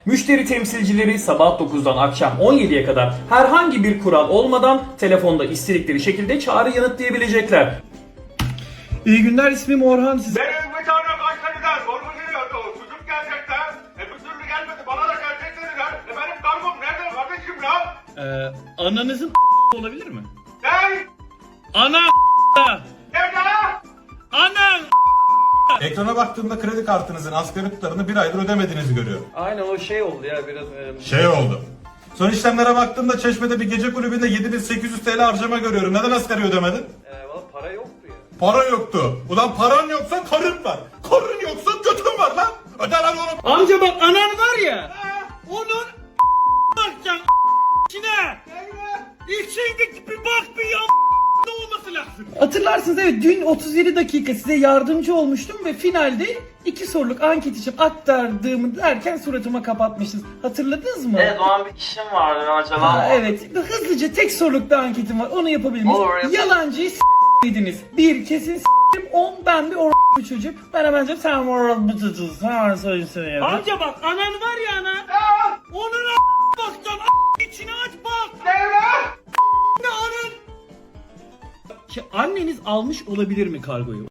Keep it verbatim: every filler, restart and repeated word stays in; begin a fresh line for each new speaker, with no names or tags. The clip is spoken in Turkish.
Müşteri temsilcileri sabah dokuzdan akşam on yediye kadar herhangi bir kural olmadan telefonda istedikleri şekilde çağrı yanıtlayabilecekler.
İyi günler, ismim Orhan. Siz...
Benim bir tane Kayseri'den sorgu geliyordu. Çocuk gelecekler. E bir türlü gelmedi. Bana da gelecek dediler. E benim kargom nerede kardeşim ya?
Ee, ananızın olabilir mi?
Ne?
Ana
Nerede?
Anan
Ekrana baktığımda kredi kartınızın asgari tutarını bir aydır ödemediğinizi görüyorum.
Aynen o şey oldu ya biraz... E...
Şey oldu. Son işlemlere baktığımda Çeşme'de bir gece kulübünde yedi bin sekiz yüz T L harcama görüyorum. Neden asgari ödemedin?
E, valla para yoktu ya.
Para yoktu. Ulan paran yoksa karın var. Karın yoksa götün var lan. Öde lan oğlum.
amca bak, anan var ya, onun bakacaksın içine. İçindeki bir bak bir ya ne olması lazım. Hatırlarsınız, evet, dün otuz yedi dakika size yardımcı olmuştum ve finalde iki soruluk anket için aktardığımı derken suratıma kapatmıştınız. Hatırladınız mı?
Evet, o an bir işim vardı, ben acaba.
Ha, evet, hızlıca tek sorulukta anketim var, onu yapabilir miyiz?
Olur, yap-
Yalancıyı s***ydiniz. Bir, kesin s***im. On, ben bir or***bu çocuk. Ben hemen cevap, sen or***bu çocuğuz. Sen söylesene ya. Amca bak, anan var ya ana. Onun a*** bakacaksın, a*** içine aç bak.
Nerede?
Ne anan? Anneniz almış olabilir mi kargoyu?